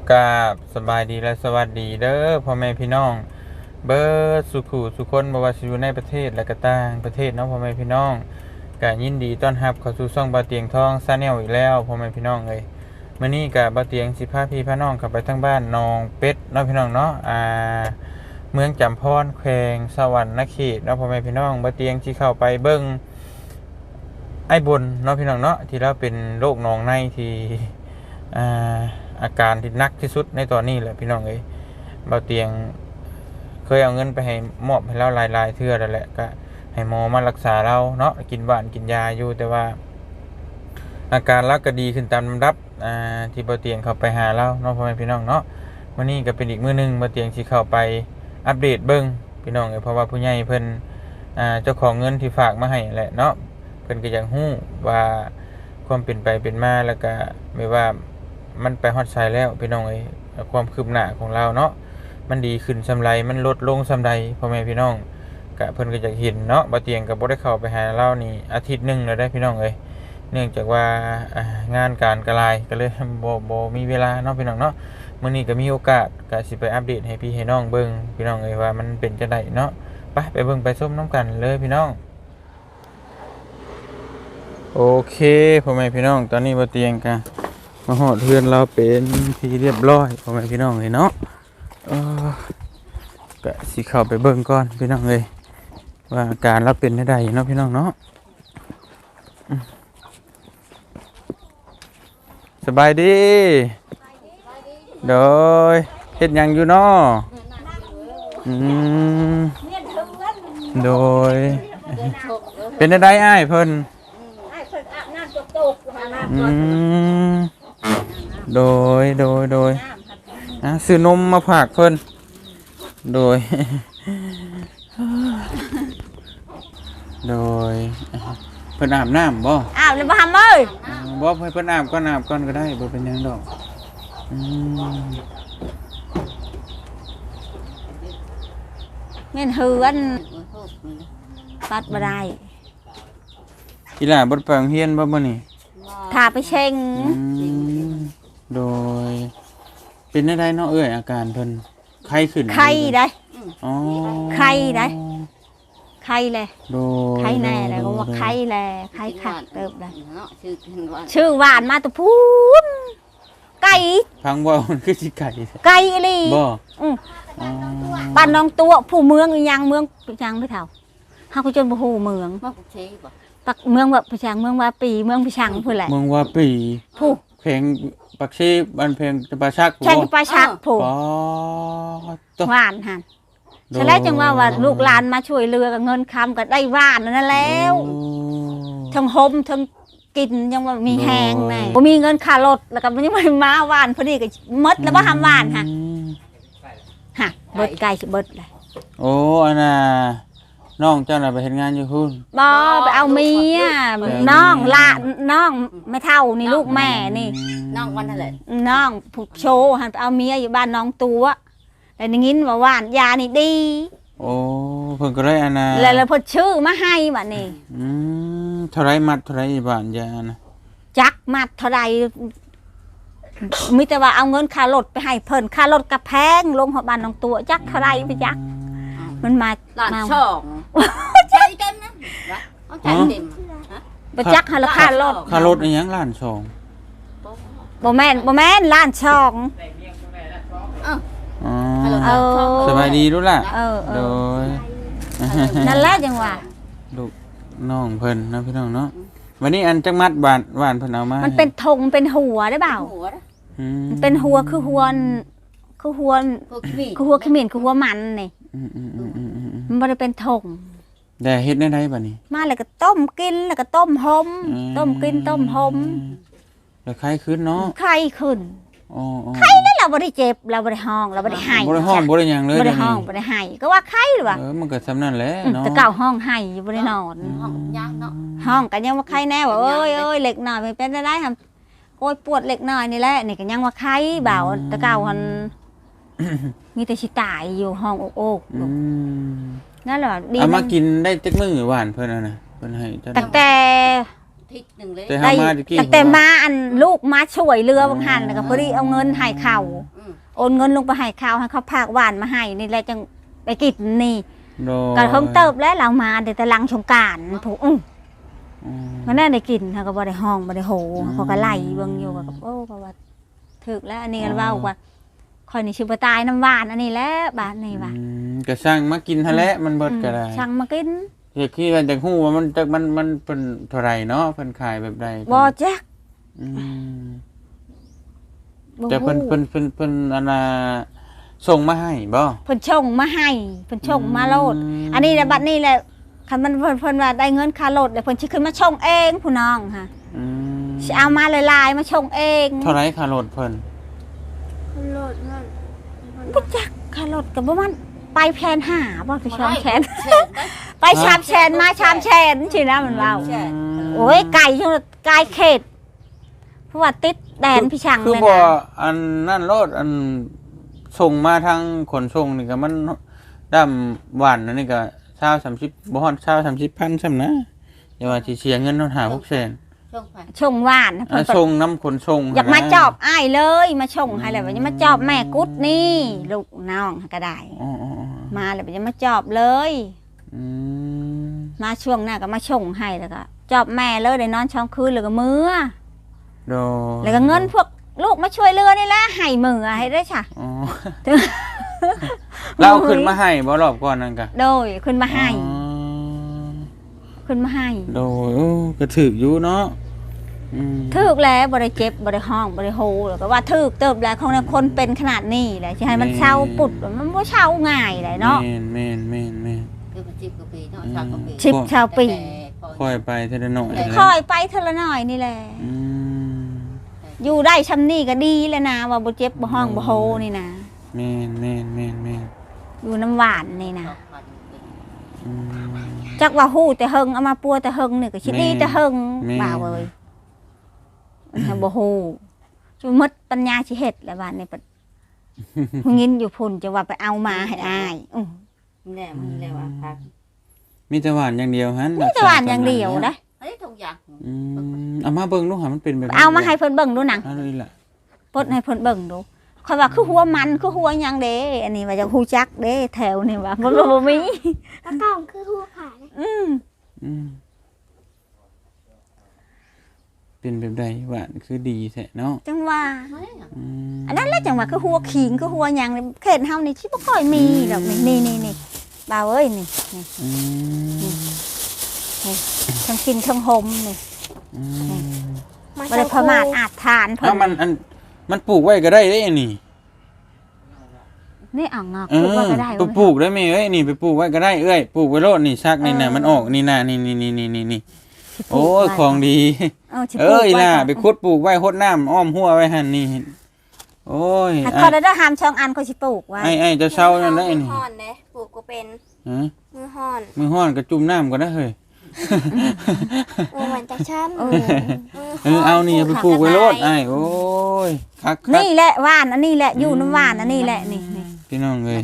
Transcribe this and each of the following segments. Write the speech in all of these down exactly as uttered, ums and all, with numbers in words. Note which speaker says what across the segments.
Speaker 1: กราบสบายดีและสวัสดีเด้อพ่อแม่พี่น้องเบิร์ดสุขุสุคนบ่ว่าสิอยู่ในประเทศและก็ต่างประเทศเนาะพ่อแม่พี่น้องก็ยินดีต้อนรับเข้าสู่ช่องบ่าวเตียงทองชาแนลอีกแล้วพ่อแม่พี่น้องเอ้ยมื้อนี้ก็บ่าวเตียงสิพาพี่พาน้องเข้าไปทางบ้านหนองเป็ดเนาะพี่น้องเนาะอ่าเมืองจำพรแขวงสวรรณเขตเนาะพ่อแม่พี่น้องบ่าวเตียงสิเข้าไปเบิ่งไอ้บนเนาะพี่น้องเนาะที่เราเป็นโรคหนองในที่อ่าอาการที่หนักที่สุดในตอนนี้แหละพี่น้องเอ้ยเบาเตียงเคยเอาเงินไปให้มอบให้เราหลายๆเทื่อแล้วแหละก็ให้หมอมารักษาเราเนาะกินหวานกินยาอยู่แต่ว่าอาการเราก็ดีขึ้นตามลำดับอ่าที่เบาเตียงเข้าไปหาเราเนาะพ่อแม่พี่น้องเนาะวันนี้ก็เป็นอีกมื้อนึงเบาเตียงสิเข้าไปอัปเดตเบิ่งพี่น้องเอ้ยเพราะว่าผู้ใหญ่เพิ่นอ่าเจ้าของเงินที่ฝากมาให้แหละเนาะเพิ่นก็อยากฮู้ว่าความเป็นไปเป็นมาแล้วก็ไม่ว่ามันไปฮอดไซแล้วพี่น้องเอ้ยความคืบหน้าของเราเนาะมันดีขึ้นซำไรมันลดลงซำใดพ่อแม่พี่น้องก็เพิ่นก็อยากเห็นเนาะบ่เตียงก็บ่ได้เข้าไปหาเรานี่อาทิตย์นึงแล้วได้พี่น้องเอ้ยเนื่องจากว่างานการกระลายก็เลยบ่บ่มีเวลาเนาะพี่น้องเนาะมื้อนี้ก็มีโอกาสก็สิไปอัปเดตให้พี่ให้น้องเบิ่งพี่น้องเอ้ยว่ามันเป็นจังได๋เนาะไปไปเบิ่งไปชมนํกันเลยพี่น้องโอเคพ่อแม่พี่น้องตอนนี้บ่เตียงก็มาหอดเพื่อนเราเป็นที่เรียบร้อยพ่อแม่พี่น้องเลยเนาะเออก็สิเข้าไปเบิ่งก่อนพี่น้องเลยว่าอาการเราเป็นได้เนาะพี่น้องเนาะสบายดีโดยเฮ็ดหยังอยู่เนาะอืมโดยเป็นได้อ้ายเพิ่นอืมโดยโดยโดยนะซื้อนมมาฝากเพิ่นโดยโดยเพิ่นอาบน้ำบ่
Speaker 2: อาบเลยบ่ทำเอ้ย
Speaker 1: บ่ให้เพิ่นอาบก่อนอาบก่อนก็ได้บ่เป็นหยังดอกอืม
Speaker 2: เงินเฮือนปัดบ่ได้
Speaker 1: อีหล่าบ่ไปโรงเรียนบ่มื้อนี้
Speaker 2: ถ้าไปเช็ง
Speaker 1: โดยเป็นได้เนาะเอ้ยอาการเพิ่นไข้ขึ้น
Speaker 2: ไข้ได้
Speaker 1: อ๋อ
Speaker 2: ไข้ได้ไข้เลย
Speaker 1: โดย
Speaker 2: ไข้แน่เลยก็ว่าไข้แลไข้ขัดเติบได้ชื่อหวานมาตะพูนไก่
Speaker 1: ฟังว่ามันคือสิไก่
Speaker 2: ไก่อีหลี
Speaker 1: บ่
Speaker 2: อือบ้านน้องตัวผู้เมืองอีหยังเมืองจังไม่เท่าเฮาก็จนบ่ฮู้เมืองบ่เชบ่ปักเมืองแบบประชังเมืองว่าปีเมืองประชังพูดแหละ
Speaker 1: เมืองว่าปี
Speaker 2: ผู้
Speaker 1: เพลงปักชีบ้านเพลงจะปาชัก
Speaker 2: แข่งปาชักผู้หวานหันใช่แล้วจังว่าว่าลูกหลานมาช่วยเรือกับเงินคำก็ได้หวานนั่นแล้วทั้งหมทั้งกินยังว่ามีแหงไงบ่มีเงินค่ารถแล้วก็ยังไม่มาหวานพอดีก็มดแล้วบ่ทำหวานฮะฮะเบิดไก่สิเบิดเลย
Speaker 1: โอ้อันน่ะน้องเจ้าน่ะไปเฮ็ดงานอยู่พุ่น
Speaker 2: บ่ไปเอาเมียน้องละน้องไม่เท่านี่ลูกแม่นี่
Speaker 3: น้องวันนั่นแหละ
Speaker 2: น้องผูกโชว์หันไปเอาเมียอยู่บ้านน้องตัวแต่ได้ยินว่าหวานยานี่ดี
Speaker 1: โอ้เพิ่นก็ได้อันน่ะ
Speaker 2: แล้วเพิ่นชื่อมาให้บัดนี้
Speaker 1: อืมเท่าไรมัดเท่าไรบาทยานะ
Speaker 2: จักมัดเท่าไรมีแต่ว่าเอาเงินค่ารถไปให้เพิ่นค่ารถกระแพงลงหัวบ้านน้องตัวจักเท่าไรไปจักมันมา
Speaker 3: หลานช่องใจเต็มนะเอาใจเต็ม
Speaker 2: ไปจักหาราคารถ
Speaker 1: ค่ารถอีหยังล้านสอง
Speaker 2: บ่แม่นบ่แม่นล้านช่อง
Speaker 1: อ๋อสบายดีรู้ล่ะโดย
Speaker 2: นั่นแหละจังว่า
Speaker 1: ลูกน้องเพิ่นนะพี่น้องเนาะวันนี้อันจังมัดบานหวานเพิ่นเอามา
Speaker 2: มันเป็นธงเป็นหัวได้เปล่ามันเป็นหัวคือหัวคือหัวคือหัวขมิ้นคือหัวมันนี่มันไม่ได้เป็นธง
Speaker 1: แต่เฮ็ดได้ไดบัดนี้
Speaker 2: มาแล้วก็ต้มกินแล้วก็ต้มหอมต้มกินต้มหอม
Speaker 1: แล้วไข้ขึ้นเนาะ
Speaker 2: ไข้ขึ้น
Speaker 1: อ๋อ
Speaker 2: ไข้นั่นเราบ่ได้เจ็บเราบ่ได้ห้องเราบ่ได้ไห้
Speaker 1: บ่ได้ห้องบ่ได้หยังเลย
Speaker 2: บ่ได้ห้องบ่ได้ไห้ก็ว่าไข้หรือว่า
Speaker 1: เออมันก็ซ้ำนั่นแหละเนาะ
Speaker 2: แต่เก่าห้องไห้อยู่บ่ได้นอน
Speaker 3: ห้องยากเนาะ
Speaker 2: ห้องก็ยังว่าไข้แน่ว่าเอ้ยเอ้ยเล็กน้อยไม่เป็นได้ทำโอ้ยปวดเล็กน้อยนี่แหละนี่ก็ยังว่าไข้บ่าวแต่เก่ามันมีแต่สิตายอยู่ห้องโอกๆนั่นแหละ
Speaker 1: ดีเอามากินได้จักมื้อหวานเพิ่นน่ะเพิ่นให้
Speaker 2: ตั้งแต่
Speaker 3: ทิศหนึ่งเลย
Speaker 2: ตั้งแต่มาอันลูกมาช่วยเรือบางหันแล้วก็พอดีเอาเงินให้เขาโอนเงินลงไปให้เขาให้เขาพากหวานมาให้นี่แหละจังไปกินนี่
Speaker 1: โดย
Speaker 2: ก็เพิ่งเติบแล้วเรามาเดี๋ยวแต่หลังสงกรานต์ถูกอื้อ
Speaker 1: อืม
Speaker 2: มันน่าได้กินเขาก็บ่ได้ห้องบ่ได้โห
Speaker 1: อืม
Speaker 2: เขาก็ไล่เบิ่งอยู่ก็โอ้ก็ว่าถึกแล้วอันนี้ก็เว้าว่าข่อยนี่สิบ่ตายน้ำหวานอันนี้แหละบาดนี้ว่า
Speaker 1: อืมก็สร้างมากินหั่นแหละมันเบิดก็ได้
Speaker 2: ช่างมากิน
Speaker 1: อยากคิดว่าจักฮู้ว่ามันจักมันมันเป็นเท่าไหร่เนาะเพิ่นขายแบบใด
Speaker 2: บ่จัก
Speaker 1: อืม
Speaker 2: บ่
Speaker 1: แต่เพิ่น
Speaker 2: ฮู้
Speaker 1: เพิ่นเพิ่นเพิ่นอันน่ะส่งมาให้บ่
Speaker 2: เพิ่นชงมาให้เพิ่นชงมาโลด
Speaker 1: อืม
Speaker 2: อันนี้แหละบัดนี้แหละคันมันเพิ่นเพิ่นว่าได้เงินค่ารถแล้วเพิ่นสิขึ้นมาชงเองผู้น้องค่ะ
Speaker 1: อืม
Speaker 2: สิเอามาหลายๆมาชงเอง
Speaker 1: เท่าไหร่ค่ารถเพิ่น
Speaker 3: โลดเงิน
Speaker 2: บ่จักค่ารถก็บ่มันไปแพนหาบ่ไปชองแชน
Speaker 3: เช่นได้
Speaker 2: ไปชามแชนมาชามแชนสินะมันเว้า
Speaker 3: ใช่
Speaker 2: โอ้ยไก่จังไก่เขตเพราะว่าติดแดนพี่ช่าง
Speaker 1: คือ
Speaker 2: เลย
Speaker 1: บ่
Speaker 2: นะ
Speaker 1: อันนั่นรถอันส่งมาทางขนส่งนี่ก็มันดำหวานอันนี้ก็เช้าสามสิบบ่ฮอดเช้าสามสิบพันซ้ำนะอย่าว่าสิเสียเงินเนาะหาพวกแสน
Speaker 3: ช่วงไป
Speaker 2: ชงหวาน
Speaker 1: อ่ะ
Speaker 2: เพิ่นก็
Speaker 1: ส่งน้ำขนส่ง
Speaker 2: อยากมาจอบอ้ายเลย มาชงให้เลยว่าจะมาจอบแม่กุดนี่ลูกน้องก็ได้
Speaker 1: อ๋ออ๋ออ๋อ
Speaker 2: มาเลยว่าจะมาจอบเลย
Speaker 1: อืม
Speaker 2: มาช่วงหน้าก็มาชงให้แล้วก็จอบแม่เลยได้นอนช่องคืนแล้วก็มือ
Speaker 1: โด
Speaker 2: แล้วก็เงินพวกลูกมาช่วยเรือนี่แหละให้มือให้ได้ค่ะ
Speaker 1: อ๋อ เราเอาขึ้นมาให้บ่รอบก่อนนั่นกะ
Speaker 2: โดยขึ้นมาให้
Speaker 1: อ๋อ
Speaker 2: ขึ้นมาให้
Speaker 1: โดยโอ้ก็ถืออยู่เนาะอืม
Speaker 2: ทึกแล้วบ่ได้เจ็บบ่ได้ห้องบ่ได้โฮแล้วก็ว่าทึกเติบแล้วของคนเป็นขนาดนี้แหละสิให้มันเช่าปุดมันบ่เช่าง่ายเลยเนาะ
Speaker 1: แม่นแม่นแม่นแม่น
Speaker 3: คือมันสิบกว่าปีเนาะสามกว่าปี
Speaker 2: ชิบชาวปี
Speaker 1: ค่อยไปเทละหน่อยแหละ
Speaker 2: คอยไปเทอละหน่อยนี่แหละ
Speaker 1: อืม
Speaker 2: อยู่ได้ชำนี่ก็ดีแล้วนะว่าบ่เจ็บบ่ห้องบ่โฮนี่นะ
Speaker 1: แม่นแม่นแม่นแม่น
Speaker 2: อยู่น้ำหวานนี่นะ
Speaker 1: อืม
Speaker 2: จักว่าฮู้แต่เฮิงเอามาปัวแต่เฮิงนี่ก็สิดีแต่เฮิง
Speaker 1: แม่
Speaker 2: บ่าวเอ้ยมันให้บ่ฮู้จุมดปัญญาสิเฮ็ดแล้วว่านี่ปะผู้หญิงอยู่พุ่นจะว่าไปเอามาให้อายอื้อ
Speaker 3: แน่มันเลยว่าพัก
Speaker 1: มีแต่หวานอย่างเดียวฮั่น
Speaker 2: มีแต่หวานอย่างเดียวนะ
Speaker 3: เฮ้ยทุกอย่าง
Speaker 1: อืมเอามาเบิ่งดูหามันเป็นแบบ
Speaker 2: เอามาให้เพิ่นเบิ่งดูหนัง
Speaker 1: เอาเลยล่ะ
Speaker 2: ปลดให้เพิ่นเบิ่งดูค่อยว่าคือหัวมันคือหัวหยังเด้อันนี้ว่าจะฮู้จักเด้แถวนี่ว่าบ่บ่มี
Speaker 4: แล้วกล่องคือหัวขาเนี่ย
Speaker 2: อืม
Speaker 1: อืมเป็นแบบใดหวานคือดีแท้เนาะ
Speaker 2: จังว่า
Speaker 3: เฮ้ย
Speaker 1: อืม
Speaker 2: อันนั้นแหละจังว่าคือหัวขิงคือหัวหยังนี่เขตเฮานี่สิบ่ค่อยมีดอกนี่นี่นี่บ่าวเอ้ยนี่นี่
Speaker 1: อืม
Speaker 2: ทั้งกินทั้งหมนี่
Speaker 1: อืม
Speaker 2: บ่ได้ประมาทอาจทานเพิ่
Speaker 1: เอ้าน มันอันมันปลูกไว้ก็ได้เด้อันนี้
Speaker 2: นี่อ่างงอก
Speaker 1: เอ
Speaker 2: ปลูก
Speaker 1: อ
Speaker 2: ไว้ก็ได้
Speaker 1: ไปปลูกได้ไหมเอ้ยนี่ไปปลูกไว้ก็ได้เอ้ยปลูกไว้โลดนี่ชักนี่น่ะมันออกนี่น่ะนี่นี่นี่นี่นี่โอ้ยของดี
Speaker 2: เออสิปลู
Speaker 1: เอ้
Speaker 2: ก
Speaker 1: ย
Speaker 2: ไว้
Speaker 1: ล่ะ
Speaker 2: ก่อน
Speaker 1: ไปขุดปลูกไว้หดน้ำอ้อมหัวไว้หั่นนี่โอ้ย
Speaker 2: ให้
Speaker 1: ไอ้
Speaker 2: เขาได้ห้ามช่องอันเขาสิปลูกไว้
Speaker 1: ไอ้ไอ้เจะเช่านั่นได้
Speaker 4: มื
Speaker 1: นี่
Speaker 4: อห่อนเลยปลูกก็เป็น
Speaker 1: ฮะ
Speaker 4: มือห่อน
Speaker 1: มือห้อนก็จุ่มน้ำก็ได้เฮ้ย
Speaker 4: เออเหมือนจากฉัน
Speaker 2: เออ
Speaker 1: เออเอานี่ไปปลูกไว้โลดไอ้โอ้ยคักคัก
Speaker 2: นี่แหละว่านอันนี้แหละอยู่น้ำว่านอันนี้แหละนี่นี่
Speaker 1: พี่น้องเลย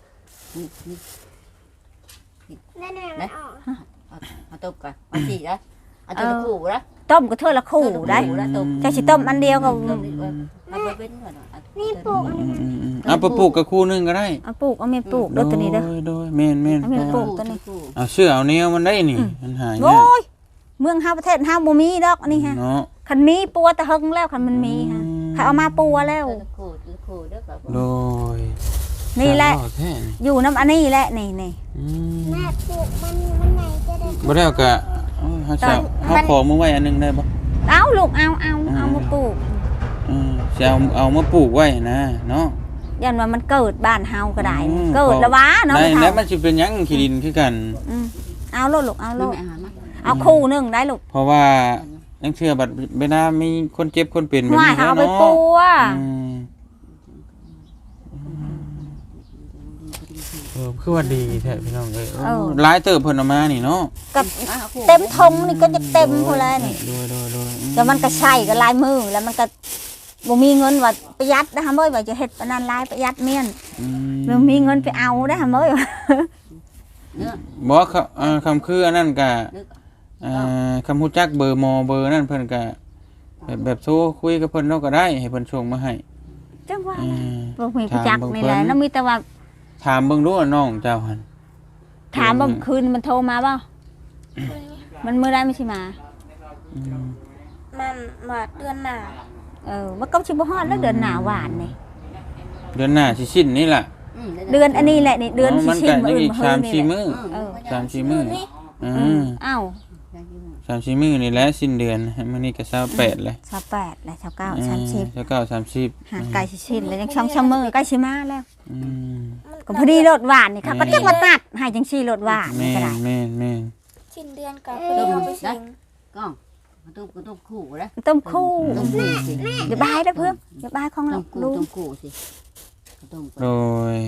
Speaker 4: แน่ๆมันออก
Speaker 3: เอาต้มก่อนเอาสีนะเอาต้มขู่นะ
Speaker 2: ต้มก็เท่าละคู่ได้
Speaker 3: นะต้ม
Speaker 2: จะสิต้มอันเดียวก็
Speaker 3: เอาไปเป็นก่อน
Speaker 4: นี่ปลูกอัน
Speaker 1: อื
Speaker 4: นี้
Speaker 1: มอืมอืมเอาไปปลูกกับคู่หนึงก็ได้
Speaker 2: เอาปลูกเอาเมียปลูกเด้อตัวนี้เด้อ
Speaker 1: โดยโดยแม่นแม่น
Speaker 2: เอาไปปลูก
Speaker 1: เอาเสื้อเอาแนวมันได้นี่มันหาย
Speaker 2: โอ้
Speaker 1: ยาก
Speaker 2: ยเมืองเฮาประเทศเฮาบ่มีดอกอันนี้ฮะ
Speaker 1: เนาะ
Speaker 2: คันมีปัวแต่เฮิงแล้วคันมันมีฮะเขาเอามาปัวแล้ว
Speaker 3: ขู่ขู่เด้อแบบ
Speaker 1: โดย
Speaker 2: นี่แหละ
Speaker 1: สาวแท้นี่
Speaker 2: อยู่น้ำอันนี้แหละนี่นี่
Speaker 1: อืม
Speaker 4: แม่ปลูกมันมันไหนจะได้
Speaker 1: บ่ได้เอากะเอ้ยเฮาจะเฮาขอมือไว้อันหนึงได้บ่
Speaker 2: เอาลูกเอาเอาเอามาปลูก
Speaker 1: อืมจะเอาเอามาปลูกไว้นะเนาะ
Speaker 2: ยันว่ามันเกิดบ้านเฮาก็ได้
Speaker 1: อืม
Speaker 2: เกิดแล้ววะเนาะ
Speaker 1: ได้
Speaker 2: ไม่
Speaker 1: แล้ว
Speaker 2: เท่า
Speaker 1: มันสิเป็นหยังขี้ดินคือกัน
Speaker 2: อืมเอาโลดลูกเอาโล
Speaker 3: ลูก
Speaker 2: ด
Speaker 3: อาหารมา
Speaker 2: เอาคู่หนึงได้ลูก
Speaker 1: เพราะว่ายังเชื่อบัดเวลามีคนเจ็บคนเป็นแบบ
Speaker 2: ว่า
Speaker 1: นี้
Speaker 2: เอาไป
Speaker 1: เนาะ
Speaker 2: ปัว
Speaker 1: อืมเออคือว่าดีแท้พี่น้องเอ้ยเออหลายเติบเพิ่นเอามานี่เนาะ
Speaker 2: กับเต็มทงนี่ก็จะเต็มพอแล้วนี่
Speaker 1: โดยโดยโดยอืม
Speaker 2: แต่มันก็ใช่ก็ลายมือแล้วมันก็บ่มีเงินว่าประหยัดนะฮะเมื่อยว่าจะเฮ็ดปานนั้นลายประหยัดเมียน
Speaker 1: อื
Speaker 2: บ่มีเงินไปเอาได้อฮะเมื่อยว่า
Speaker 3: เนื้อ
Speaker 1: บ่เขาเอ่อคำคืออันนั้นก็เอ่อคำฮู้จักเบอร์หมอเบอร์นั่นเพิ่นก็แบบแบบโทรคุยกับเพิ่นเนาะก็ได้ให้เพิ่นส่งมาให้
Speaker 2: จังว่า
Speaker 1: อืม
Speaker 2: บ่มีผู้จักนี่แหละแล้วมีแต่ว่า
Speaker 1: ถามเบิ่งดูว่าน้องเจ้าหั่น
Speaker 2: ถามบ่คืนมันโทรมาบ่มันมื้อใดมันสิมา
Speaker 1: อืม
Speaker 4: มันมาเดือนหน้า
Speaker 2: เออมันก็สิบ่ฮอดแล้วเดือนหน้าหวานนี่
Speaker 1: เดือนหน้าสิสิ้นนี่ล่ะ
Speaker 2: เดือนอันนี้แหละนี่เดือน
Speaker 1: อ๋อ
Speaker 2: สิ
Speaker 1: มัน
Speaker 2: สิ้
Speaker 1: ก็
Speaker 2: นมื้อ
Speaker 1: อี
Speaker 2: อื่น
Speaker 1: ก
Speaker 2: มื้อ
Speaker 1: สาม
Speaker 2: นี่
Speaker 1: สี่
Speaker 2: แหละ
Speaker 1: มื้อ
Speaker 2: เออ
Speaker 1: สามสี่มื้ออื
Speaker 2: อืม
Speaker 1: ม
Speaker 2: อ้าว
Speaker 1: สามสี่มื้อนี่แหละสิ้นเดือนมื้อนี้ก็ยี่สิบแปดเลย
Speaker 2: สามแปดและสามเก้า
Speaker 1: อื
Speaker 2: สามสิบ
Speaker 1: ยี่สิบเก้า สามสิบ
Speaker 2: หาไก่สิสิ้นแล้วยังช่องชั่วโมงใกล้สิมาแล้ว
Speaker 1: อืม
Speaker 2: ก็พอดีรถหวานนี่ค่ะก็จักว่าตัดให้จังซี่รถหวาน
Speaker 1: แม่
Speaker 2: นี่ก็
Speaker 1: น
Speaker 2: ได้
Speaker 1: แม่นแม่น
Speaker 4: สิ้นเดือนกับพอดีเอาไปสิง
Speaker 3: ก้องต้มต้มคู่แล้ว
Speaker 2: ต้มคู่
Speaker 3: ต้มคู่สิ
Speaker 2: เดี๋ยวบายเด้อเพิ่มเดี๋ยวบายของ
Speaker 3: ต้
Speaker 2: เรา
Speaker 3: มคู่
Speaker 2: ลู
Speaker 3: ต้
Speaker 2: ก
Speaker 3: มคู่สิต้ม
Speaker 1: โดย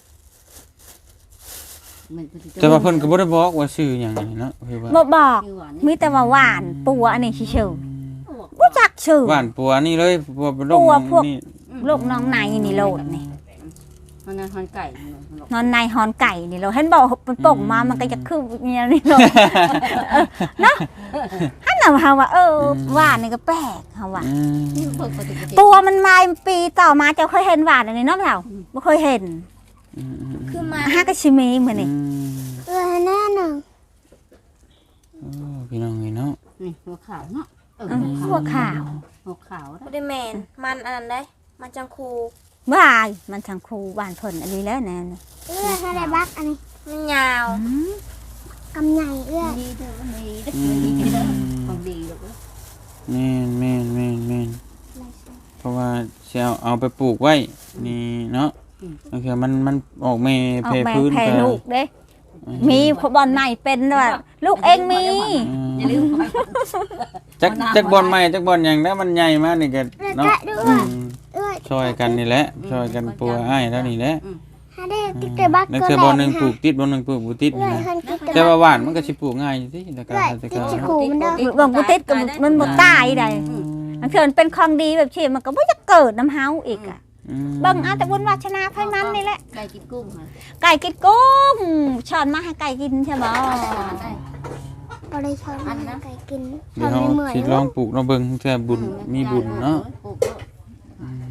Speaker 3: มัน
Speaker 1: แต่ว่าเพิ่นก็บ่ได้บอกว่าชื่อหยังนี่เนาะคือว่า
Speaker 2: บ่บอกมีแต่ว่าหวานปัวอันนี้ชื่อๆบ่จักชื่อ
Speaker 1: หวานปัวนี่เลยปัวเป็นโรค
Speaker 2: ปัวพวก
Speaker 1: นี่
Speaker 2: ลูกน้องในนี่โลดนี่
Speaker 3: มันนั่นหันไก่
Speaker 2: นอนในฮอนไก่นี่โลดเห็นบอกมันป่งมามันก็จะคือเนี่ยนี่โลดเออเนาะฮั่นน่ะว่าว่าเออหวานนี่ก็แปลกเฮาว่า
Speaker 1: อืม
Speaker 2: ตัวมันมาปีต่อมาเจ้าเคยเห็นหวานอันนี้เนาะเปล่าบ่เคยเห็น
Speaker 1: อืมอืม
Speaker 4: คือมา
Speaker 2: ฮากะชิมีมื้อนี่
Speaker 1: อืม
Speaker 4: เออแน่หนึ่ง
Speaker 1: โอ้พี่น้องนี่เนาะ
Speaker 3: นี่หัวขาวเนาะเออ
Speaker 2: หัวขาว
Speaker 3: หัวขาว
Speaker 4: บ่ได้แมนมันอันนั้นได้ มันจังคู
Speaker 2: บายมันทางครูบ้านเพิ่นอันนี้แล้วแน่น
Speaker 4: เอื้ออะไรบักอันนี้มันยาว
Speaker 2: อืม
Speaker 4: กำใหญ่เอื้อ
Speaker 3: ดีเด้อดีเด้อดีเด้อของดีลูก
Speaker 1: แม่นแม่นแม่นแม่นเพราะว่าสิเอาเอาไปปลูกไว้นี่เนาะบางทีมันมันออกแม่
Speaker 2: ออ
Speaker 1: เพ
Speaker 2: กแม่
Speaker 1: พื้น
Speaker 2: แพ้
Speaker 1: ก็
Speaker 2: ลูกเด้ มีพอบอลใหม่เป็นด้วยลูกเองมี
Speaker 1: อืม
Speaker 3: อย่าลืม
Speaker 1: จักจักบอลใหม่จักบอลหยังแล้วมันใหญ่มากนี่ก็
Speaker 4: แล้ว
Speaker 1: เนาะ
Speaker 4: ก็ดู
Speaker 1: อื
Speaker 4: ว่าม เอื้อ
Speaker 1: ช่วยกันนี่แหละช่วยกันปัวอ้ายแล้วนี่แหละ
Speaker 4: ฮาได้ติ๊กเกอร์บัก
Speaker 1: แล้ว
Speaker 4: ก็
Speaker 1: คือ
Speaker 4: แหล
Speaker 1: บอล
Speaker 4: ม
Speaker 1: หนึงปลู
Speaker 4: ค่ะ
Speaker 1: กติดบอลหนึงปลูกบ่ติด
Speaker 4: เอื้อ
Speaker 1: นะ
Speaker 4: คันติ๊กเกอร์
Speaker 1: แต่
Speaker 4: บัก
Speaker 1: ว่าหวานมันก็สิปลูกง่ายอยู่ติแต่ก็
Speaker 4: เอื้อ
Speaker 1: แต่
Speaker 4: ติ๊
Speaker 1: ก็
Speaker 4: กจะคูมันเด้อ
Speaker 2: เบิ่งกูติดกับมันบ่ตายได้อันเถื่อนเป็นของดีแบบที่มันก็บ่จะเกิดน้ำเฮาอีกอ่ะ
Speaker 1: อืม
Speaker 2: เบิ่งเอาแต่บุญวาสนาไผมันนี่แหละ
Speaker 3: ไก่กินกุ้งค่ะ
Speaker 2: ไก่กินกุ้งช้อนมาให้ไก่กินใช่บ่
Speaker 4: บ่ได้ชอบมันไก่กินช
Speaker 1: เดี๋
Speaker 4: อย บ
Speaker 1: วเรา
Speaker 4: ไม่เหมือน
Speaker 1: สิลองปลูกเนาะเบิ่งเทื่อบุญมีบุญเนาะอืม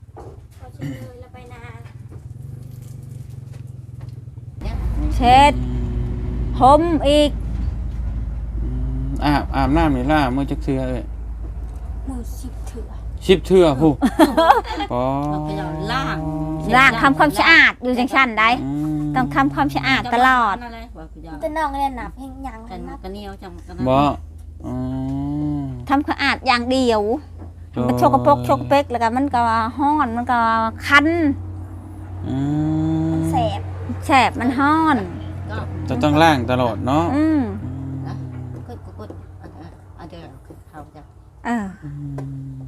Speaker 2: เช็ดหอมอีก
Speaker 1: อืมอาบอาบน้ำนี่ล่ะมื้อจักเทื่อเอ้ย
Speaker 2: มือสิบเถื่อ
Speaker 1: สิบเทื่อฮู้ปอ
Speaker 3: ล่าง
Speaker 2: ล้างทำความสะอาดอยู่จังซั่นได้
Speaker 1: อืม
Speaker 2: ต้องทำความสะอาดตลอด
Speaker 4: แต่น้องเนี่ยหนับเฮงยัง
Speaker 3: กัน
Speaker 4: นับ
Speaker 3: กันเหนียวจังกัน
Speaker 1: บ่อ๋อ
Speaker 2: ทำความสะอาดอย่างเดียว มันโชกโปกโชกเป๊กแล้วก็มันก็ฮ้อนมันก็คัน
Speaker 1: อืม
Speaker 4: แสบ
Speaker 2: แสบมันฮ้อน
Speaker 1: จะต้องล้างตลอดเนาะ
Speaker 2: อืม
Speaker 3: นะกดกดอาจจะเขาจะ
Speaker 2: เออ
Speaker 1: อืม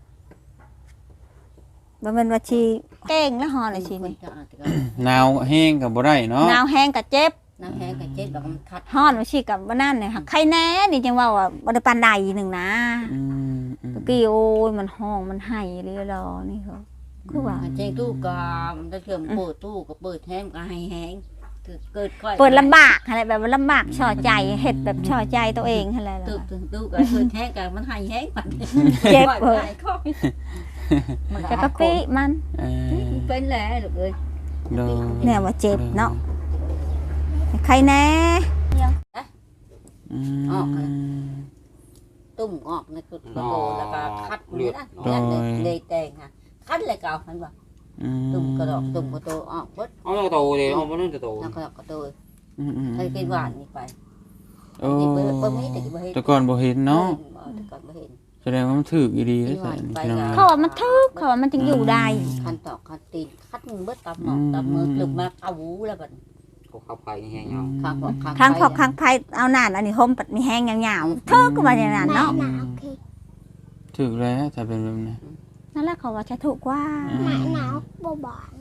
Speaker 2: บ่แม่นว่าชีเก่งแล้วฮ้อนเลยชีนี่
Speaker 1: หนาวแห้งก็บ่ได้เนาะ
Speaker 2: หนาวแห้งก็เจ็บ
Speaker 3: น้ำแห้งกับเจ็ดดอกมันคัด
Speaker 2: ฮ้อนว่าชีกับบ่นั่นเนี่ยค่ะใครแน่นี่จังว่าว่าบ่ได้ปานใดหนึงนะ
Speaker 1: อืมอืม
Speaker 2: ตะกี้โอ้ยมันห้องมันไห้เลยรอนี่เขาคือว่า
Speaker 3: เจ๊ตู้กามถ้าเชื่อมเปิดตู้ก็เปิดแห้งก็ให้แห้งเกิดค่อย
Speaker 2: เปิดลำบากอะไรแบบว่าลำบากช่อใจเฮ็ดแบบช่อใจตัวเองอะไรล่ะ
Speaker 3: ตู้ตู้ก็เปิดแห้งกันมันให้แห้งมัน
Speaker 2: เจ็บเออ
Speaker 3: มัน
Speaker 2: จะกะปิมัน
Speaker 1: เออ
Speaker 3: เป็นแหละลูกเอ้ย
Speaker 1: โดย
Speaker 2: เนี่ยว่าเจ็บเนาะใครแน่
Speaker 1: อืม
Speaker 3: ตุ้มออกในกุดกระโดแล้วก็คัดเลือดเลยแตงค่ะคัดเลยเก่าคันว่า
Speaker 1: อืม
Speaker 3: ตุ้มกระดอกตุ้มกระโตออกเบิด
Speaker 5: เอาแล้วก็โตเลยเอาบ่นั่นจะโต
Speaker 3: แล้วก็กระโต
Speaker 1: อืมอืม
Speaker 3: ใครกินหวานนี่ไป
Speaker 1: โอ้
Speaker 3: นี่เปิดเปิดไม่แต่กี่บ่เห็น
Speaker 1: แต่ก่อนบ่เห็นเนาะ
Speaker 3: แต่ก่อนบ่เห็น
Speaker 1: แสดงว่ามันถูกอีดีแล้วใส่นี่พี่น้อง
Speaker 2: เขาว่ามันทึกเขาว่ามันจึงอยู่ได้
Speaker 3: คันตอกคันตีนคัดมือเบิดตำหนอกตำมือลึกมาเอาหูแล้วบัด
Speaker 5: ก็เข้าไปแห้งเอา
Speaker 3: ข้างบอกข้าง
Speaker 2: ครั้งพอครั้งไผเอานานอันนี้ห่มปัดมีแห้งยาวๆทึกก็ว่าอย่างนั้น
Speaker 4: หนา
Speaker 2: เนาะ
Speaker 4: หนาโอเค
Speaker 1: ถูกแล้วถ้าเป็นแบบนี้
Speaker 2: นั่นแหละเขาว่าจะถูกกว่า
Speaker 4: หนาหนาวบ่บาน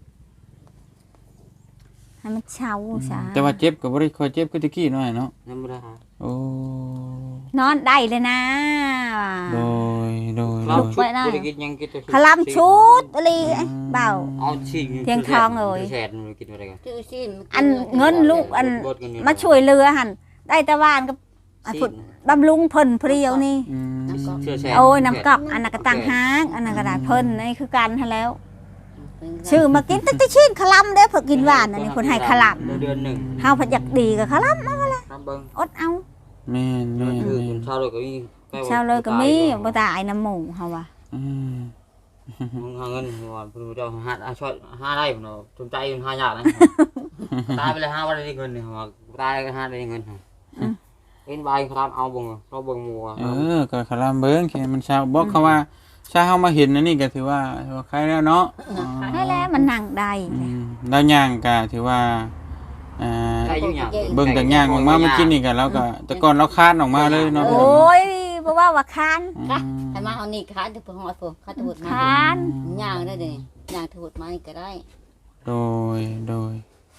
Speaker 2: ให้มันเช้าซะ
Speaker 1: แต่ว่าเจ็บก็บ่ได้ค่อยเจ็บคือตะกี้น้อยเนาะ
Speaker 5: นั่นบ่ได้หา
Speaker 1: โอ้
Speaker 2: นอนได้เลยนะ
Speaker 1: โดยโดย
Speaker 5: เรา
Speaker 1: โดย
Speaker 5: ชุดบ่ได้กินยังกินแต่
Speaker 2: คลำชุดอะไรเบา
Speaker 5: เอาชิง
Speaker 2: เพียงทองเลย
Speaker 5: แสนกินอะไรกัน
Speaker 3: ชื่อซีน
Speaker 2: อันเงินลูกอันมาช่วยเรือหันได้แต่ว่านกับอันพุ่นบำรุงเพิ่นเพรียวนี่
Speaker 1: อืม
Speaker 5: เชื่อแช่
Speaker 2: โอ้ยน้ำกอกอันนั้นก็ต่างหากอันนั้นก็ได้เพิ่นนี่คือกันหั่นแล้วชื่อมากินแต่ชิ้นขลำเด้อเพิ่นกินหวานอันนี้เพิ่นให้ขลำ
Speaker 5: เดือนหนึ่ง
Speaker 2: เฮาเพิ่นอยากดีก็ขลำเอาละ
Speaker 5: น้ำเบิ้ง
Speaker 2: อดเอา
Speaker 1: แม่นแม่น
Speaker 5: คือ
Speaker 1: แม่น
Speaker 5: ชาวเลยก็มี
Speaker 2: เช้าเลยก็มีบ่ตายน้ำหมูเฮาว่า
Speaker 1: อืม
Speaker 5: มึงหาเงินก่อนผู้เจ้าหาช่วยหาได้ผมเนาะสนใจมันหายากนะตายไปเลยหาว่าได้เงินเนี่ยตายก็หาได้เงินเป็นใบครับเอาบ่งเราเบิ่งมัว
Speaker 1: เออก็คลำเบิ่งแค่มันเช้าบอกเขาว่าชาเฮามาเห็นอันนี้ก็ถือว่าถือว่าใครแล้วเนาะอ๋อ
Speaker 2: ได้แล้วมันนั่งได้
Speaker 1: อืมดาวย่างก็ถือว่าอ่า
Speaker 5: ได้อยู่อย่าง
Speaker 1: เบิ่งจากย่างออกมาเมื่อกี้นี่ก็แล้วก็แต่ก่อนเราคาดออกมาเลยเนาะ
Speaker 2: โอ้ยบ่ว่าว่าคาน
Speaker 1: อื
Speaker 3: ค่ะ
Speaker 1: ม
Speaker 3: ให้มาเอานี่ค้านถึงพอหอดผมข้าถูดมา
Speaker 2: คาน
Speaker 3: ย่างได้เลยย่างถูดมานี่ก็ได้
Speaker 1: โดยโดย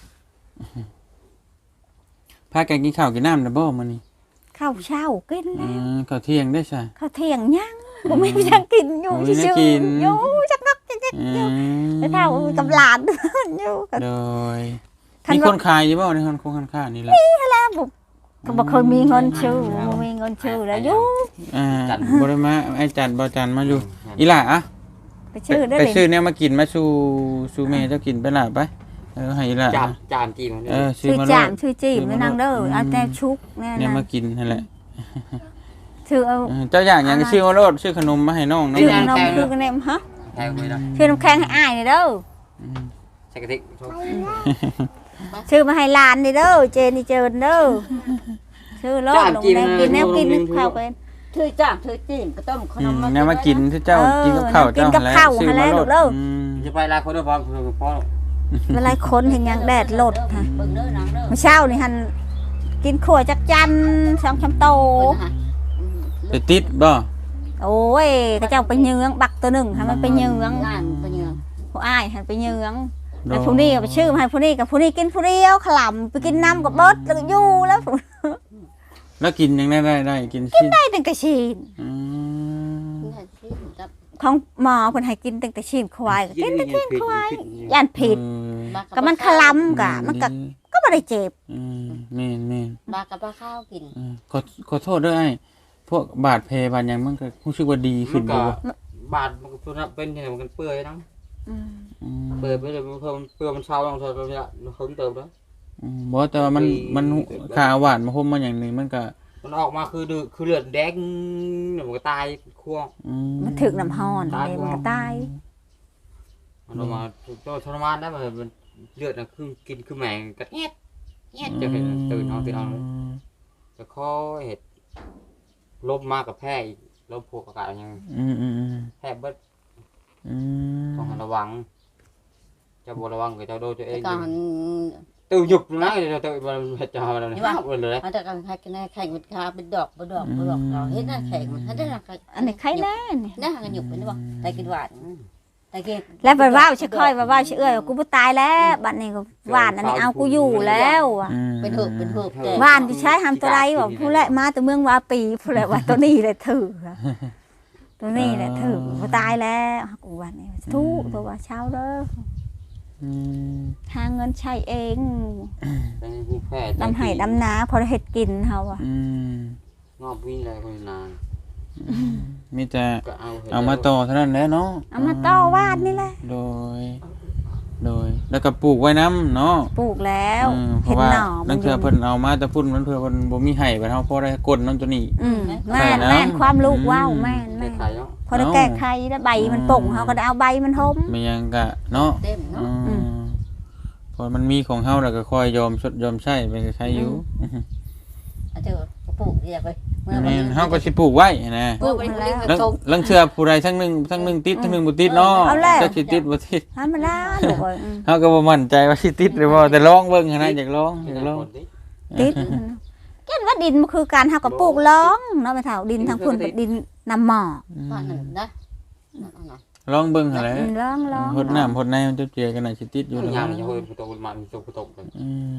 Speaker 1: พากันกินข้าวกินน้ำนะบ่มื้อนี้
Speaker 2: ข้าวเช้ากิน
Speaker 1: อื
Speaker 2: แล้ว
Speaker 1: มข้าวเที่ยงได้ใช่
Speaker 2: ข้าวเที่ยงยังบ่มีจังกินอยู่
Speaker 1: บ่มีจั
Speaker 2: ซื่
Speaker 1: ง
Speaker 2: อ
Speaker 1: กิน
Speaker 2: ๆอยู่จักนักจักจัก
Speaker 1: อื
Speaker 2: อยู่
Speaker 1: ม
Speaker 2: แล้วถ้ากับหลานอยู่ก็
Speaker 1: โดย
Speaker 2: คัน
Speaker 1: มี
Speaker 2: ว่า
Speaker 1: คนขายอยู่บ่ในคนคงคันค้านี่แหละ
Speaker 2: แล้วบ่ก็บ่เคยมีเงินชื่อบ่มีเงินชื่อแล้วอยู่
Speaker 1: อ่าบ่ได้มาไอ้จันบ่จันมาอยู่อีหล่าอะ
Speaker 2: ไปชื่อได้
Speaker 1: ไป
Speaker 2: เลย
Speaker 1: ซื้อเนี่ยมากินมาสู่สู่แม่เจ้ากินไปล่ะไปเออให้อีหล่า
Speaker 5: จามจามจีมัน
Speaker 1: เออซื้อ
Speaker 2: ชื่อ
Speaker 1: มา
Speaker 2: จาม
Speaker 1: โลด
Speaker 2: ชื่อจีบแม่นางเด้อเอาแต่ชุกแน่
Speaker 1: เนี่ย
Speaker 2: นะ
Speaker 1: มากินนั่นแหละ
Speaker 2: ชื่อเอา
Speaker 1: เออเจ้าอย่างหยังก็ซื้อมาโลดซื้อขนมมาให้น้องน้อง
Speaker 2: ชื่อน้องชื่อกันแนมฮะ
Speaker 5: แทงไปแล้ว
Speaker 2: ชื่อน้ำแข็งให้อ้ายนี่เด้อ
Speaker 1: อืม
Speaker 5: ใส่กระติก
Speaker 2: ชื่อมาให้หลานนี่เด้อเจนี่เจินเด้อชื่อโลดลงแดงกินแนวกินนึกข้าวเป็น
Speaker 3: ถือจ้างถือจีนก็ต้มขน
Speaker 1: อื
Speaker 3: ม
Speaker 1: ม
Speaker 3: มา
Speaker 1: เนี่ยมากินที่เจ้า
Speaker 2: เออ
Speaker 1: กินกับข้าว
Speaker 2: กิน
Speaker 1: เจ้า
Speaker 2: กับข้าว
Speaker 1: ซื้อ
Speaker 2: หั่นแห
Speaker 1: มา
Speaker 2: ละ
Speaker 1: โล
Speaker 2: ลู
Speaker 1: ด
Speaker 2: กเด้อ
Speaker 1: อืม
Speaker 5: จะไปลาคนด้วยพอพอ
Speaker 2: เวลาคนเห็นยังแดดโลดค่ะ
Speaker 3: เบิ่งเด้อนางเด้อ
Speaker 2: เมื่อเช้านี่หันกินขั่วจักจันสองชามโต
Speaker 1: ไปติดบ่
Speaker 2: โอ้ยก็เจ้าไปเยื้องบักตัวหนึ่งให้มันไปเยื้อง
Speaker 3: ล้านไปเยือง
Speaker 2: ผู้อ้ายหันไปเยื้องแล้วผู้นี้ก็ไปชื่อมาให้ผู้นี้กับผู้นี้กินผู้เดียวขลำไปกินน้ำกับเบิดแล้วก็อยู่แล้ว
Speaker 1: แล้วกินยังได้ได้ได้กินชิ้น
Speaker 2: ได้ตั้งแต่ชีน
Speaker 1: อืม
Speaker 3: นี่ที่กับ
Speaker 2: ของหมอเพิ่นให้กินตั้งแต่ชีนควายก็กินแต่ชีนควายย่านผิด
Speaker 1: เออ
Speaker 2: ก็มันขลำกะมันก็ก็บ่ได้เจ็บ
Speaker 1: อืมแม่นแม่น
Speaker 3: ปลากับปลาข้าวกิน
Speaker 1: เออขอขอโทษด้วยไอ้พวกบาดแผลบาดหยังมันก็รู้สึกว่าดีขึ้นบ่วะ
Speaker 5: บาดมันก็เป็นเนี่ยมันเปื่อยนะ
Speaker 2: อืม
Speaker 1: อืม
Speaker 5: เปื่อยไปเลยมันเพิ่มเปื่อยมันเช้าลงเช้าเราเนี่ยเราเพิ่มเติมแล้ว
Speaker 1: อืมบ่แต่ว่ามันมันขาหวานมาห่มมาอย่างหนึงมันก็
Speaker 5: มันออกมาคือดือคือเลือดแดงเนี่ยมันก็ตายคั่ว
Speaker 1: อืม
Speaker 2: มันถึกน้ำห้อนเลยมันก็ตาย
Speaker 5: มันออกมาตัวทรมานได้มันมันเลือดน่ะคือกินคือแมงกระเอ็ดเอ็ดจะเห็นตื่นเอาตื่นเอาจะข้อเห็ดลบมากกับแพ้อีกลบพวกอากาศยัง
Speaker 1: อืมอืมอืม
Speaker 5: แพ้เบิด
Speaker 1: อืม
Speaker 5: ต้องระวังจะบระวังกับเจ้าโดตัวเอ
Speaker 3: แต่
Speaker 5: ง
Speaker 3: ก่อน
Speaker 5: ตื่นหยุบนะเดี๋ยวตื่นมันจะมาแล้วเนี่ยหมดเลย
Speaker 3: มันจะกันให้กันแข่งเป็นคาเป็นดอกเป็นดอกเป็นดอกเราเห็นน่ะแข่งมันให้ได้ละ
Speaker 2: อันนี้ใครแน่นี่
Speaker 3: น่ากันหยุบเป็นบ่แต่กินหวานแต่กิน
Speaker 2: แล้วไปว่าวชิค่อยไปว่าวชิเอ้ยกูบ่ตายแล้วบัดนี้ก็หวานอันนี้เอากูอยู่แล้วอะ
Speaker 1: อืม
Speaker 3: เป็นหืบเป็นหืบแต่
Speaker 2: หวานที่ใช้ทำตัวไรบอกผู้แหละมาแต่เมืองวาปีผู้แหละว่าตัวนี้แหละถือตัวนี้แหละถือบ่ตายแล้วกูวันนี้ทุกตัวว่าเช้าเด้อ
Speaker 1: อืม
Speaker 2: หาเงินใช้เอง
Speaker 5: เป็นผู้แพ้
Speaker 2: ดำไห้ดำนาพอได้เฮ็ดกินเฮาอ่ะ
Speaker 1: อืม
Speaker 5: งอบวิ่งอะไรคนนาน
Speaker 1: มีแต่
Speaker 5: ก็เอา
Speaker 1: เอามาต่อเท่านั้นแหละเนาะ
Speaker 2: เอามาต่อวาดนี่แหละ
Speaker 1: โดย โดยแล้วก็ปลูกไว้น้ำเนาะ
Speaker 2: ปลูกแล้ว
Speaker 1: อืมเพ
Speaker 2: เห็
Speaker 1: ราะ
Speaker 2: น
Speaker 1: ว่า
Speaker 2: หน่อมั
Speaker 1: นั่
Speaker 2: น
Speaker 1: น
Speaker 2: อ
Speaker 1: คือยู่ เพิ่นเอามาแต่พุ่นมันเพื่อเพิ่นบ่มีไห้ไปเฮาพอได้กดน้ำตัวนี้
Speaker 2: อืมแม่น
Speaker 1: ใส่น้ำ
Speaker 2: แม่นความลูกว้าวแม่น
Speaker 5: ได้
Speaker 2: แม่น
Speaker 5: ขายเนาะ
Speaker 2: พอได้แก้ไขแล้วใบมันป่งเฮาก็ได้เอาใบมันห่ม
Speaker 1: ไม่ยังกะเนาะ
Speaker 3: เต็ม
Speaker 1: อื
Speaker 3: เนาะ
Speaker 1: มพอมันมีของเฮาแล้วก็ค่อยยอมชดยอมใช้ไปใช้อยู่
Speaker 3: อาจจะปลูกเรียกไปเมื่อ
Speaker 1: แม่นเฮาก็สิปลูกไว้นะ
Speaker 3: ปลูกไปเรื่อย
Speaker 1: ลังลังเทื่อผู้ใดทั้งหนึงทั้งหนึงติดทั้งหนึงบ่ติดเนาะจักสิติดบ่ติด
Speaker 2: ให้มันได้ลูกเอ้ยอืม
Speaker 1: เฮาก็บ่มั่นใจว่าสิติดหรือบ่แต่ลองเบิ่งหั้นนะอยากลองอยากลอง
Speaker 2: ติดแก่นว่าดินมันคือการเฮาก็ปลูกร้องเนาะไปเฒ่าดินทางพุ่นเป็นดินน้ำหมอก
Speaker 3: บ้านหนึ่งนะ
Speaker 1: ลองเบิ่งหั่นแหละ
Speaker 2: อืมร้องร้อง
Speaker 1: หดน้ำหดในมันจะเจียกันน่ะสิติดอยู่
Speaker 5: อ
Speaker 1: แล้ว
Speaker 5: ย่างนี้เฮ้ยตกมาตกตกเลย
Speaker 1: อืม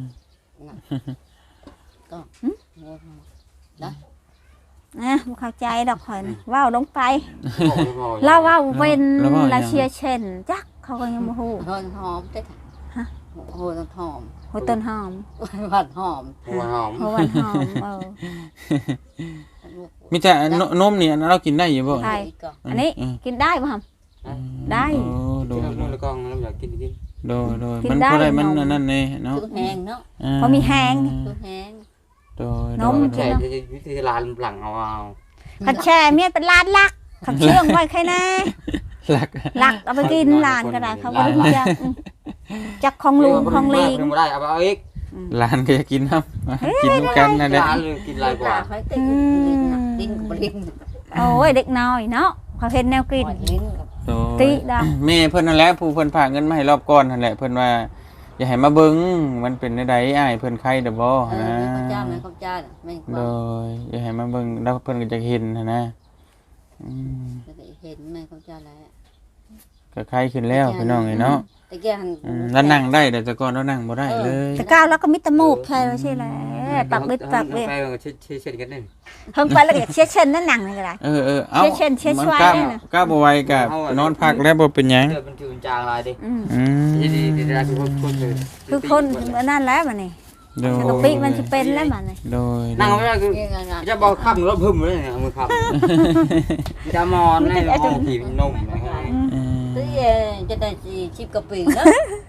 Speaker 2: นะบ่เข้าใจดอกข่อยนะว้าวลงไปเราว้าวเว้นลาเชียเช่นจักเขาก็ยังบ่ฮู้
Speaker 3: หอมหอมได้โหต้นหอม
Speaker 2: หัวต้นหอม
Speaker 3: หวานหอม
Speaker 5: หัวหอม
Speaker 2: หัววันหอมเออ
Speaker 1: มีแต่นนมนี่อันนั้นเรากินได้อยู่บ่
Speaker 2: ใช่อันนี้กินได้ป่ะครับ ได้
Speaker 1: โอ้โด
Speaker 5: กิน
Speaker 1: ย
Speaker 5: น้ำมันแล้วก็เราอยากกินกิน
Speaker 1: โดยโดย
Speaker 2: กิน
Speaker 1: มัน
Speaker 2: ได้
Speaker 1: บ่ได้มัน
Speaker 2: นม
Speaker 1: อันนั้นนี่เนาะ
Speaker 3: ตัวแห้งเนาะ
Speaker 1: า
Speaker 2: พอมีแห้ง
Speaker 3: ตัวแห้ง
Speaker 1: โดย
Speaker 2: นม
Speaker 1: โดย
Speaker 5: ใช่วิธีลานหลังเอาเอา
Speaker 2: ขัดแช่เมียเป็นลานลักขัดเชื่องไว้ใครแน่
Speaker 1: หลัก
Speaker 2: ลักเอาไปกินลานก็ได้เขาไม่รู้จักจักของลุงของลิง
Speaker 5: ไม่ได้เอาเอาอีก
Speaker 1: หลานก็จะกินน้ำกินน้ำกันนั่นแหละ
Speaker 5: ร้านเลยกินหลายกว่า
Speaker 3: เขาติดลิ้นลิ้นกับลิ้น
Speaker 2: โอ้ยเด็กน้อยเนาะเขาเห็นแนวกลิ่น
Speaker 3: ลิ้นกับ
Speaker 1: โดย
Speaker 2: ติดา
Speaker 1: แม่เพิ่นนั่นแหละผู้เพิ่นฝากเงินมาให้รอบก่อนนั่นแหละเพิ่นว่าอย่าให้มาเบิ่งมันเป็นได้อ้ายเพิ่นไข้เด้อบ่
Speaker 3: เออ
Speaker 1: นะ
Speaker 3: ข้าวเจ้าไหมข้าวเจ้าไม่
Speaker 1: โดยอย่าให้มาเบิ่งแล้วเพิ่นก็จะเห็นนะนะอืม
Speaker 3: เห็นไหมข้าวเจ้าแล้ว
Speaker 1: ก็ไข้ขึ้นแล้วพี่น้องเอ้ยเนาะ
Speaker 3: แต่แกหัน
Speaker 1: อืมแล้วนั่งได้แต่แต่ก่อนเรานั่งบ่ได้เลย
Speaker 2: แต่ก้าวแล้วก็มิตรมูกใช่แล้วใช่แล้วปักบิดปักเว
Speaker 5: ไปเช็ดเช็ดกันนึง
Speaker 2: เพิ่งไปแล้วก็เช็ดเช่นนั่นหนังเลยก็ได้
Speaker 1: เออเออเอา
Speaker 2: เช็ดเช็ด
Speaker 1: มัน
Speaker 2: ช่วย
Speaker 1: กล้า
Speaker 2: ได้น่ะ
Speaker 1: กล้าบ่ไหวก็นอนพักแล้วบ่เป็นหยัง
Speaker 5: เดือดมันถือจางลายดิ
Speaker 2: อืม
Speaker 1: อืม
Speaker 5: ดีดีดีได้คือคนคนเลย
Speaker 2: คือคนนั่นแล้วมันนี่
Speaker 1: โดย
Speaker 2: สกปิมันจะเป็นแล้วมันนี่
Speaker 1: โดย
Speaker 5: นั่งไม่ได้คือจะบอกขับรถพึ่มเลยเนี่ยมือขับจะมอนในห้องผีนมนะฮะ
Speaker 1: อืม
Speaker 3: ตื้อจะได้ชิบกระปิงแล้ว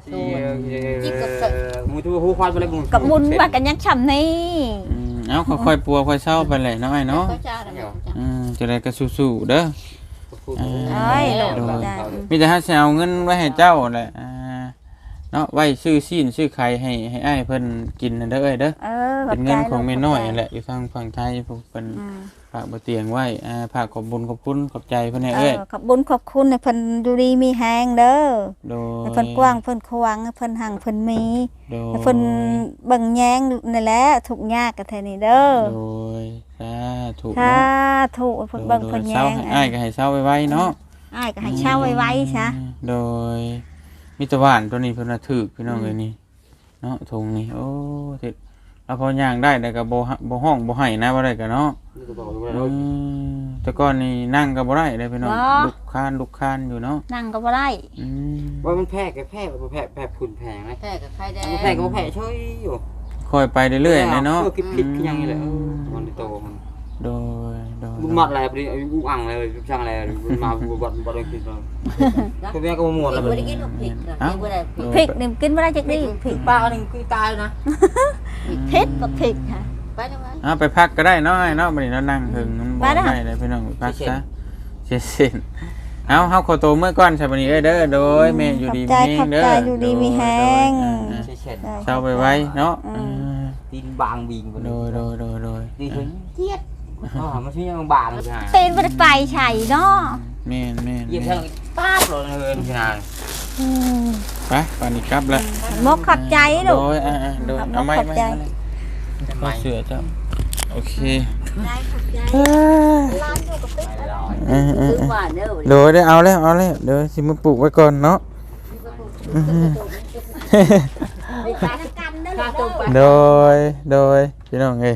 Speaker 5: มือทูหูควันไปเลยมือ
Speaker 2: กับมุนว่ากันยังฉ่ำนี่
Speaker 1: อืมเอาค่อยๆปัวค่อยเศร้าไปแหละเนาะไอ้เนาะ
Speaker 3: ข้าวเจ้าแล้ว
Speaker 1: อืมจะได้ก็สู้ๆเด้อ
Speaker 2: เอ้ยโหลดได้
Speaker 1: มีแต่ถ้าสิเอาเงินไว้ให้เจ้าแหละอ่าเนาะไว้ซื้อซีนซื้อไข่ให้ให้อ้ายเพิ่นกินนั่นเด้อเอ้ยเด้อ
Speaker 2: เออ
Speaker 1: เป็นเงินของแม่น้อยนั่นแหละอยู่ทางฝั่งไทยพวกเพิ่น
Speaker 2: อืม
Speaker 1: ฝากบ่เตียงไว้อ่าฝากขอบบุญขอบคุณขอบใจเพิ่นให้
Speaker 2: เอ
Speaker 1: เอ้ย
Speaker 2: อขอบบุญขอบคุณให้เพิ่นอยู่ดีมีแฮงเด้อ
Speaker 1: โดย
Speaker 2: ให้เพิ่นกว้างเพิ่นขวางให้เพิ่นหังเพิ่นมี
Speaker 1: โดย
Speaker 2: ให้เพิ่นเบิ่งแยงนั่นแหละทุกข์ยากกันแท้นี่เด้อ
Speaker 1: โดยสาธุ
Speaker 2: ถ้า
Speaker 1: เนาะ
Speaker 2: ถูกเพิ่นเบิ่งเพิ่นแย
Speaker 1: เศร้าง ให้อ้ายก็ให้เศร้าไว้ๆเนาะ
Speaker 2: อ้ายก็ให้เช่าไว้ๆซะ
Speaker 1: โดยมิตรบ้านตัวนี้เพิ่นน่ะถูกพี่น้องเอ้ยนี่เนาะทงนี่โอ้ติดเอาพอย่างได้แต่ก็บ่ฮะบ่ห้องบ่ให้นะบ่ได้ก็เนาะ
Speaker 5: นี่ก็บอกว่า
Speaker 1: อืมแต่ก่อนนี่นั่งก็บ่ได้เลยพี่น้อง
Speaker 2: บ่
Speaker 1: ลุกคานลุกคานอยู่เนาะ
Speaker 2: นั่งก็บ่ได้
Speaker 1: อืม
Speaker 5: ว่ามันแพ้กับแพ้แพ้แพ้คุณแพงไหม
Speaker 3: แพ้กับใครได้
Speaker 5: แพ้กับแพ้ช่วยอยู่
Speaker 1: ค่อยไปเรื่อยๆนะเนาะ
Speaker 5: คิดผิดยังไงเลยมันโตมัน
Speaker 1: โดยโดย
Speaker 5: บุญมัดอะไรพอดีอุ้งอังเลยช่างอะไรมาบุญบัดบัดเลยคิดเลยคือแม่ก็หมดแล้ว
Speaker 3: ไม่ได้กินผิดนะไม่ได้ผิด
Speaker 2: พริกนี่กินบ่ได้จักดีพริก
Speaker 5: ปลาหนึ่งคือตายนะ
Speaker 2: เผ็ดบักพริกค่ะ
Speaker 3: ไปทำไม
Speaker 1: อ่ะไปพักก็ได้เนาะไอ้เนาะบัดนี้เรานั่งหึงมันบ่
Speaker 2: ไปเด้อ
Speaker 1: ได้เลยพี่น้องไปพักซะเสียเส้นเอาเฮาขอตัวเมื่อก่อนใช่บัดนี้เอ้ยเด้อโดยแม่อยู่ดี
Speaker 2: ขอบ
Speaker 1: มี
Speaker 2: ใจ
Speaker 1: แฮงเด้อ
Speaker 2: ขอบใจอยู่ดีมีแฮง
Speaker 1: โดยอ่า
Speaker 5: ใช่เช่น
Speaker 1: ๆเช้าไปไว้เนาะ
Speaker 2: อืม
Speaker 1: อ่า
Speaker 5: ตีนบางบิง
Speaker 1: โดยโดยโดยโดย
Speaker 5: ดีถึงเจี๊ยดอ๋อมันชื่อยังบางใช่ไหม
Speaker 2: ตีนบ่ได้ไปไฉเนาะ
Speaker 1: แม่นแม่น
Speaker 5: เยี่ยมทั้งป้าบเลยเลยใช่ไหม
Speaker 2: อืม
Speaker 1: ไปป่านนี้กลับแล้ว
Speaker 2: มกขอบใจ
Speaker 1: โด
Speaker 2: ลูก
Speaker 1: ยอ่าๆโดยเอาไม้
Speaker 2: ขอบ
Speaker 1: ไม้
Speaker 2: ใจ
Speaker 1: เอาเสือเจ้าโอเค
Speaker 2: ได้ขอบใจร้านอยู่กับปิ๊ก
Speaker 1: อืม
Speaker 3: ซื้อ
Speaker 1: ๆ
Speaker 3: มาเด้อ
Speaker 1: ๆโดยได้เอาแล้วเอาแล้วเดี๋ยวสิมาปลูกไว้ก่อนเนาะอืม
Speaker 2: ไปกันเด้อลูกเด้อ
Speaker 1: โดยโดยพี่น้องเอ้ย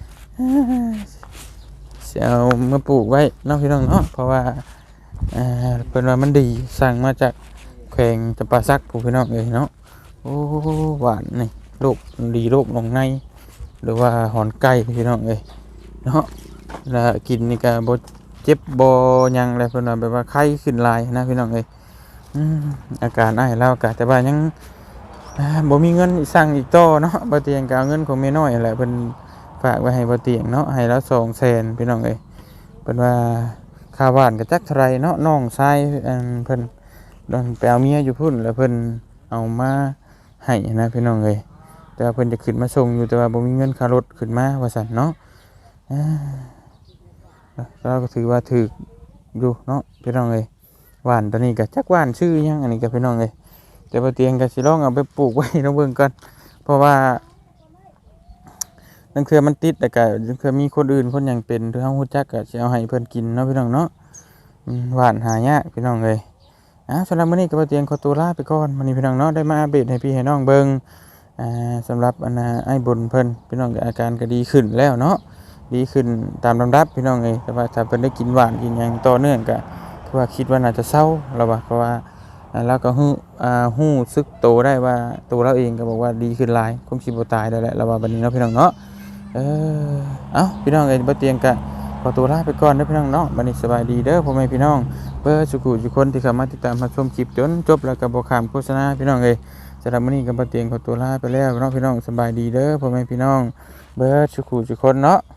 Speaker 1: สิเอามาปลูกไว้เนาะพี่น้องเนาะเพราะว่าอ่าเพิ่นว่ามันดีสั่งมาจากแขวงจำปาสักผู้พี่น้องเอ้ยเนาะโอ้หวานนี่โรคดีโรคหนองในหรือว่าหอนไก่พี่น้องเอ้ยเนาะแล้วกินนี่ก็บ่เจ็บบ่หยังแล้วเพิ่นว่าแบบว่าไข้ขึ้นหลายนะพี่น้องเอ้ยอืมอาการไอแล้วก็แต่ว่ายังอ่าบ่มีเงินสั่งอีกต่อเนาะบ่เตียงก็เอาเงินของแม่น้อยนั่นแหละเพิ่นฝากไว้ให้บ่เตียงเนาะให้แล้ว สองแสน พี่น้องเอ้ยเพิ่นว่าค่าบ้านก็จักเท่าไหร่เนาะน้องชายอันเพิ่นโดนไปเอาเมียอยู่พุ่นแล้วเพิ่นเอามาให้นะพี่น้องเอ้ยแต่ว่าเพิ่นจะขึ้นมาส่งอยู่แต่ว่าบ่มีเงินค่ารถขึ้นมาว่าซั่นเนาะอ่าเราก็ถือว่าถูกอยู่เนาะพี่น้องเอ้ยหวานตัวนี้ก็จักหวานชื่อหยังอันนี้ก็พี่น้องเอ้ยแต่บ่เตียงก็สิลองเอาไปปลูกไว้ลองเบิ่งก่อนเพราะว่านั่นคือมันติดแต่ก็คือมีคนอื่นคนหยังเป็นที่เฮาฮู้จักก็สิเอาให้เพิ่นกินเนาะพี่น้องเนาะอืมหวานหายากพี่น้องเอ้ยอ่าสำหรับมื้อนี้ก็บ่เตียงขอตัวลาไปก่อนมื้อนี้พี่น้องเนาะได้มาอัปเดตให้พี่ให้น้องเบิ่งอ่าสำหรับอันน่ะไอ้บุญเพิ่นพี่น้องก็อาการก็ดีขึ้นแล้วเนาะดีขึ้นตามลำดับพี่น้องเอ้ยแต่ว่าถ้าเพิ่นได้กินหวานกินหยังต่อเนื่องก็คือว่าคิดว่าน่าจะเศร้าแล้วว่าเพราะว่าอ่าแล้วก็ฮู้อ่าฮู้สึกโตได้ว่าตัวเราเองก็บอกว่าดีขึ้นหลายคงสิบ่ตายได้แหละแล้วว่าบัดนี้เนาะพี่น้องเนาะเออเอ้าพี่น้องเอ้ยบ่เตียงก็ขอตัวลาไปก่อนเด้อพี่น้องเนาะบัดนี้สบายดีเด้อพ่อแม่พี่น้องเบิดสุขุทุกคนที่เข้ามาติดตามรับชมคลิปจนจบแล้วก็บ่ข้ามโฆษณาพี่น้องเอ้ยสำหรับมื้อนี้ก็บ่เตียงขอตัวลาไปแล้วเนาะพี่น้องสบายดีเด้อพ่อแม่พี่น้องเบิดสุขุทุกคนเนาะ